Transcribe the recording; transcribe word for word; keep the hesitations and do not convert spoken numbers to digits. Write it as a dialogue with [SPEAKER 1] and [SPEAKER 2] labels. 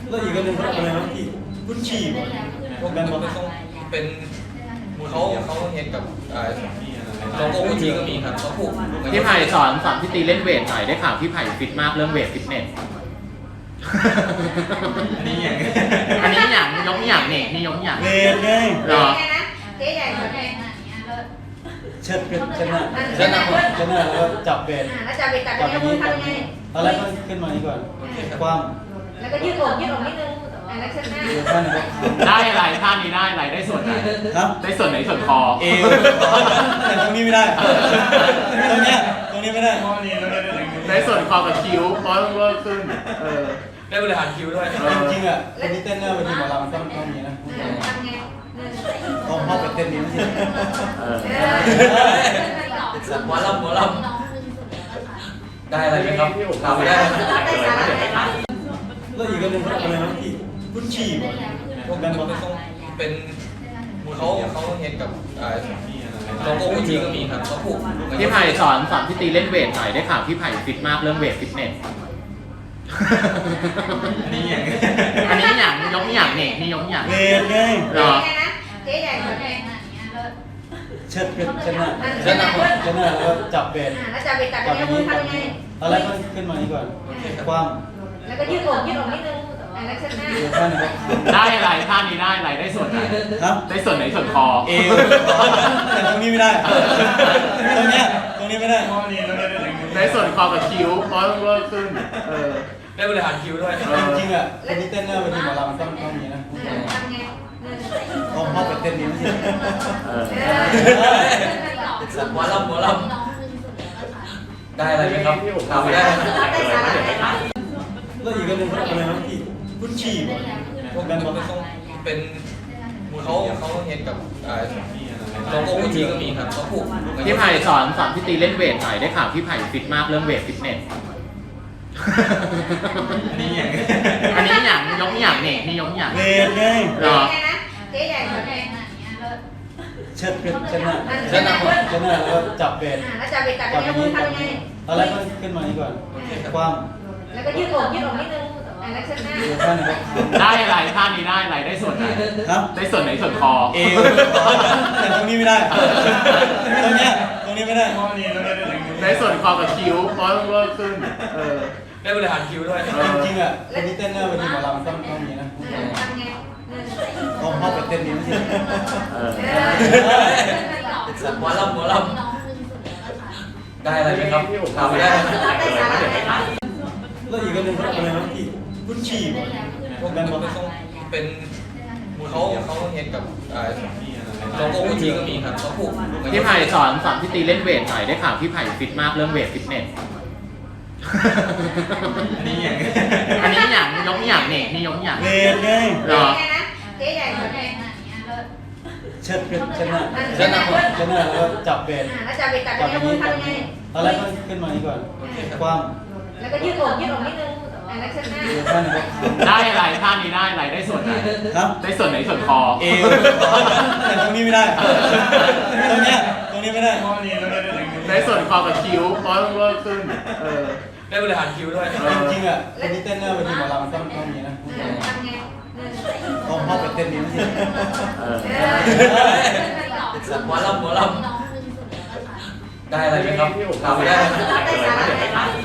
[SPEAKER 1] แล้วอีกอันหนึ่งอะไรนะที่กุชชี่ป่ะพวกนั้น
[SPEAKER 2] มัน
[SPEAKER 1] ป่ะ
[SPEAKER 2] ต้องเป็นเขาเขาเห็นกับโลโก้กุชชี่ก็มีครับเขาผูก
[SPEAKER 3] พี่ไผ่สอนสอนพี่ตีเล่นเวทหน่อยได้ข่าวพี่ไผ่ฟิตมากเรื่องเวทฟิตเนส
[SPEAKER 2] อันนี้อย่าง
[SPEAKER 3] อันนี้อย่างยกอย่างเนี่ยนี่ยกอย่าง
[SPEAKER 1] เวทไง
[SPEAKER 3] เหรอ
[SPEAKER 4] เจ๊ใหญ่กว่าแม่
[SPEAKER 1] เชิดขึ้นชนะ
[SPEAKER 4] ชนะ
[SPEAKER 1] ชนะแล้วก็จับเวท
[SPEAKER 4] แล้วจะไปตัด
[SPEAKER 1] จับ
[SPEAKER 4] แล้
[SPEAKER 1] อ
[SPEAKER 4] ว
[SPEAKER 1] ย่าง
[SPEAKER 4] มื
[SPEAKER 1] นี้
[SPEAKER 4] อ
[SPEAKER 1] จับอย่างนี้ต
[SPEAKER 4] ทำยังไง
[SPEAKER 1] อนแรกก็ขึ้นมานี้ก่อนคว่
[SPEAKER 4] แล้วก็ยืดอกยืดอกนิดนึงอันนั้นชนะ
[SPEAKER 1] ำเดี๋ยวท่านนะครับ
[SPEAKER 3] ได้อะไรท่านี้ได้อะไรได้ส่วนไหน
[SPEAKER 1] ครับ
[SPEAKER 3] ได้ส่วนไหนส่วนคอ
[SPEAKER 1] เอวแต่ตรงนี้ไม่ได้ ตรงเนี้ยตรงนี้ไม่ได้
[SPEAKER 3] ได้ส่วนคอกับคิ้วเพราะต้องเวิร์กขึ้นเออ
[SPEAKER 2] ได้บริหารคิวด้วย
[SPEAKER 1] จริงๆอ่ะคนที่เต้นหน้าเวทีหมอลำต้องต้องมีนะ
[SPEAKER 4] ทำไง
[SPEAKER 1] เขาเข้าไปเต้นนี้ไม่ใช่
[SPEAKER 3] เออ
[SPEAKER 2] หมอลำหมอลำได้อะไรไหมครับถามได้
[SPEAKER 1] แล้วอีกอันหนึ่งอะไรนะที่กุชชี่ป่ะพวกนั้น
[SPEAKER 2] มัน
[SPEAKER 1] ป่ะ
[SPEAKER 2] ต้องเป็นเขาเขาเห็นกับโลโก้กุชชี่ก็มีครับเขาผูก
[SPEAKER 3] พี่ไผ่สอนสอนพี่ตีเล่นเวทหน่อยได้ข่าวพี่ไผ่ฟิตมากเรื่องเวทฟิตเนส
[SPEAKER 2] อันนี้อย่าง
[SPEAKER 3] อันนี้อย่างยกอย่างเนี่ยนี่ยกอย่าง
[SPEAKER 1] เวทไง
[SPEAKER 3] เหรอ
[SPEAKER 4] เจ๊ใหญ่กว่าแม่
[SPEAKER 1] เชิดขึ้นชนะ
[SPEAKER 4] ชนะ
[SPEAKER 1] ชนะแล้วก็จับเวท
[SPEAKER 4] แล้วจะไปตัด
[SPEAKER 1] จับอ
[SPEAKER 4] แล้
[SPEAKER 1] ย่าว ง
[SPEAKER 4] มื
[SPEAKER 1] นี้
[SPEAKER 4] อทำยังไง
[SPEAKER 1] ตอนแรกก็ขึ้นมานี้ก่อนคว่ำ
[SPEAKER 4] แล้วก็ยืดอกยืดอกนิดนึงอันนั้นชนะ
[SPEAKER 1] เดี๋ยวท่านนะครับ
[SPEAKER 3] ได้อะไรท่านี้ได้อะไรได้ส่วนไหน
[SPEAKER 1] ครับ
[SPEAKER 3] ได้ส่วนไหนส่วนคอ
[SPEAKER 1] เอวแต่ตรงนี้ไม่ได้ ตรงเนี้ยตรงนี้ไม่ได้
[SPEAKER 3] ได้ส่วนคอกับคิ้วเพราะต้องเวิร์กขึ้นเออ
[SPEAKER 2] ได้บริหารคิวด้วย
[SPEAKER 1] จริงๆอ่ะคนที่เต้นหน้าเวทีหมอลำต้องต้องมีนะ
[SPEAKER 4] ทำไง
[SPEAKER 1] เขาเข้าไปเต้นนี้ไม่ใช่
[SPEAKER 3] เออ
[SPEAKER 2] หมอลำหมอลำได้อะไรไหมครับถามได้
[SPEAKER 1] แล้วอีกอันหนึ่งอะไรนะที่กุชชี่ป่ะพวกนั้นป่ะ
[SPEAKER 2] มันต้องเป็นเขาเขาเห็นกับโลโก้กุชชี่ก็มีครับเขาผูก
[SPEAKER 3] พี่ไผ่สอนสอนพี่ตีเล่นเวทหน่อยได้ข่าวพี่ไผ่ฟิตมากเรื่องเวทฟิตเนส
[SPEAKER 2] อันนี้อย่าง
[SPEAKER 3] อันนี้อย่างยกอย่างเนี่ยนี่ยกอย่าง
[SPEAKER 1] เวทไง
[SPEAKER 3] เหรอ
[SPEAKER 4] เจ๊ใหญ่กว่าแม่
[SPEAKER 1] เชิดขึ้นชนะ
[SPEAKER 4] ชนะ
[SPEAKER 1] ชนะแล้วก็จับเวท
[SPEAKER 4] แล้วจะไปตัด
[SPEAKER 1] จับอ
[SPEAKER 4] แล้ว
[SPEAKER 1] ย่าง
[SPEAKER 4] มื
[SPEAKER 1] นี้
[SPEAKER 4] อทำยังไง
[SPEAKER 1] ตอนแรกก็ขึ้นมานี้ก่อนคว่
[SPEAKER 4] แล้วก็ยืดอกยืดอกนิดนึงอันนั้นชนะ
[SPEAKER 1] ำเดี๋ยวท่านนะครับ
[SPEAKER 3] ได้อะไรท่านี้ได้อะไรได้ส่วนไหน
[SPEAKER 1] ครับ
[SPEAKER 3] ได้ส่วนไหนส่วนคอ
[SPEAKER 1] เอวแต่ตรงนี้ไม่ได้ ตรงเนี้ยตรงนี้ไม่ได้
[SPEAKER 3] ได้ส่วนคอกับคิ้วเพราะต้องเวิร์กขึ้นเออ
[SPEAKER 2] ได้บริหารคิวด้วย
[SPEAKER 1] จริงๆอ่ะคนที่เต้นหน้าเวทีหมอลำต้องต้องมีนะ
[SPEAKER 4] ทำไง
[SPEAKER 1] เขาเข้าไปเต้นนี้ไม่ใช่
[SPEAKER 3] เออ
[SPEAKER 2] หมอลำหมอลำได้อะไรไหมครับถามได้
[SPEAKER 1] แล้วอีกอันหนึ่งอะไรนะที่กุชชี่ป่ะพวกนั้น
[SPEAKER 2] มัน
[SPEAKER 1] ป่ะ
[SPEAKER 2] ต้องเป็นเขาเขาเห็นกับโลโก้กุชชี่ก็มีครับเขาผูก
[SPEAKER 3] พี่ไผ่สอนสอนพี่ตีเล่นเวทหน่อยได้ข่าวพี่ไผ่ฟิตมากเรื่องเวทฟิตเนส
[SPEAKER 2] อันนี้อย่าง
[SPEAKER 3] อันนี้อย่างยกอย่างเนี่ยนี่ยกอย่าง
[SPEAKER 1] เวทไง
[SPEAKER 3] เหรอ
[SPEAKER 4] เจ๊ใหญ่กว่าแม่
[SPEAKER 1] เชิดขึ้นชนะ
[SPEAKER 2] ชนะ
[SPEAKER 1] ชนะแล้วก็จับเวท
[SPEAKER 4] แล้วจะไปตัด
[SPEAKER 1] จับอ
[SPEAKER 4] แล้
[SPEAKER 1] ย่าว ง
[SPEAKER 4] มื
[SPEAKER 1] นี้
[SPEAKER 4] อทำยังไง
[SPEAKER 1] ตอนแรกก็ขึ้นมานี้ก่อนคว่ำ
[SPEAKER 4] แล้วก็ยืดอกยืดอกนิดนึงอันนั้นชนะ
[SPEAKER 1] เดี๋ยวท่านนะครับ
[SPEAKER 3] ได้อะไรท่านี้ได้อะไรได้ส่วนไหน
[SPEAKER 1] ครับ
[SPEAKER 3] ได้ส่วนไหนส่วนคอ
[SPEAKER 1] เอวแต่ตรงนี้ไม่ได้ ตรงเนี้ยตรงนี้ไม่ได้
[SPEAKER 3] ได้ส่วนคอกับคิ้วเพราะต้องเวิร์กขึ้นเออ
[SPEAKER 2] ได้บริหารคิวด้วย
[SPEAKER 1] จริงๆอ่ะคนที่เต้นหน้าเวทีหมอลำต้องต้องมีนะ
[SPEAKER 4] ทำไง
[SPEAKER 1] เขาเข้าไปเต้นนี้ไม่ใช่
[SPEAKER 3] เออ
[SPEAKER 2] หมอลำหมอลำได้อะไรไหมครับถามได้